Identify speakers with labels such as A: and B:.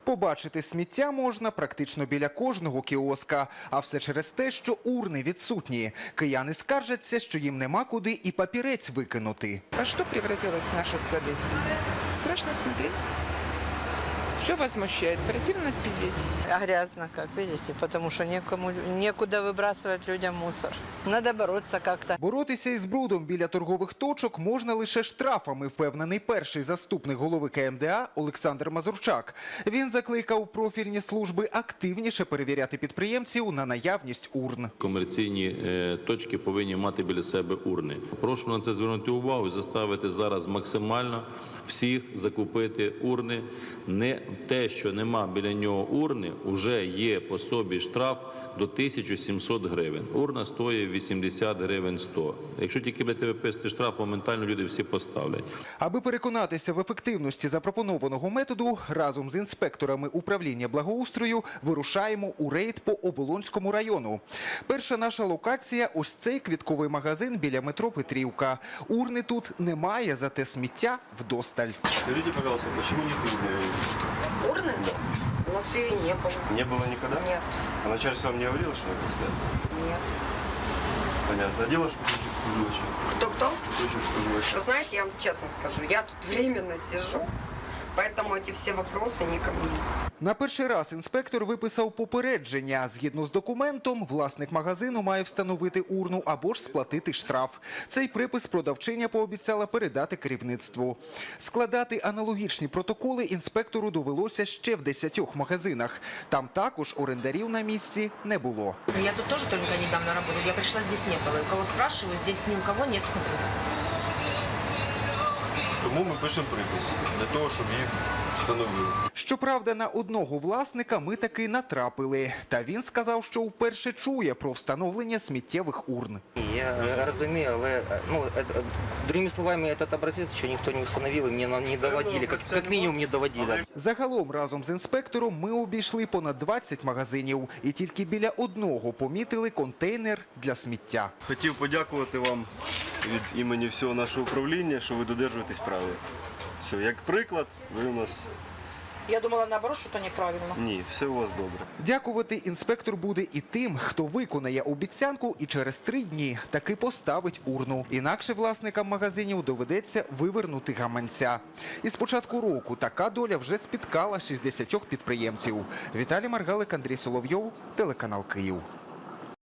A: Побачити сміття можна практично біля кожного кіоска. А все через те, що урни відсутні. Кияни скаржаться, що їм нема куди і папірець викинути.
B: Во что превратилась наша столица? Страшно смотреть. Все возмущает, противно сидеть.
C: А грязно, как видите, потому что некуда выбрасывать людям мусор. Надо бороться как-то.
A: Боротися із брудом біля торгових точок можна лише штрафами, впевнений перший заступник голови КМДА Олександр Мазурчак. Він закликав профільні служби активніше перевіряти підприємців на наявність урн.
D: Комерційні точки повинні мати біля себе урни. Прошу на це звернути увагу і заставити зараз максимально всіх закупити урни. Не те, що нема біля нього урни, вже є по собі штраф до 1700 гривень. Урна стоїть 80 гривень 100. Якщо тільки будете виписати штраф, моментально люди всі поставлять.
A: Аби переконатися в ефективності запропонованого методу, разом з інспекторами управління благоустрою вирушаємо у рейд по Оболонському району. Перша наша локація – ось цей квітковий магазин біля метро Петрівка. Урни тут немає, зате сміття вдосталь.
E: Скажите, пожалуйста, почему нет урны?
F: Урны? У нас ее и не было.
E: Не было никогда?
F: Нет,
E: А начальство вам не говорило, что это стоит?
F: нет.
E: Понятно. А девушку служила сейчас?
F: Кто-кто?
E: Кто служила сейчас?
F: Вы знаете, я вам честно скажу, я тут временно сижу, поэтому эти все вопросы не ко мне.
A: На перший раз інспектор виписав попередження. Згідно з документом, власник магазину має встановити урну або ж сплатити штраф. Цей припис продавчиня пообіцяла передати керівництву. Складати аналогічні протоколи інспектору довелося ще в 10 магазинах. Там також орендарів на місці не було.
G: Я тут тоже только недавно работаю. Я пришла, здесь не было. У кого спрашиваю, здесь ни у кого нет.
E: Тому ми пишемо припис для того, щоб їх встановили.
A: Щоправда, на одного власника ми таки натрапили. Та він сказав, що вперше чує про встановлення сміттєвих урн.
H: Я розумію, але другими словами, цей образець ще ніхто не встановив і мені не доводили, як мінімум не доводили.
A: Загалом разом з інспектором ми обійшли понад 20 магазинів і тільки біля одного помітили контейнер для сміття.
E: Хотів подякувати вам від імені всього нашого управління, що ви додержуєтесь правил. Все, як приклад, ви у нас...
C: Я думала, наоборот, что-то неправильно.
E: Ні, все у вас добре.
A: Дякувати інспектор буде і тим, хто виконає обіцянку і через 3 дні таки поставить урну. Інакше власникам магазинів доведеться вивернути гаманця. І з початку року така доля вже спіткала 60 підприємців. Віталій Маргалик, Андрій Соловйов, телеканал Київ.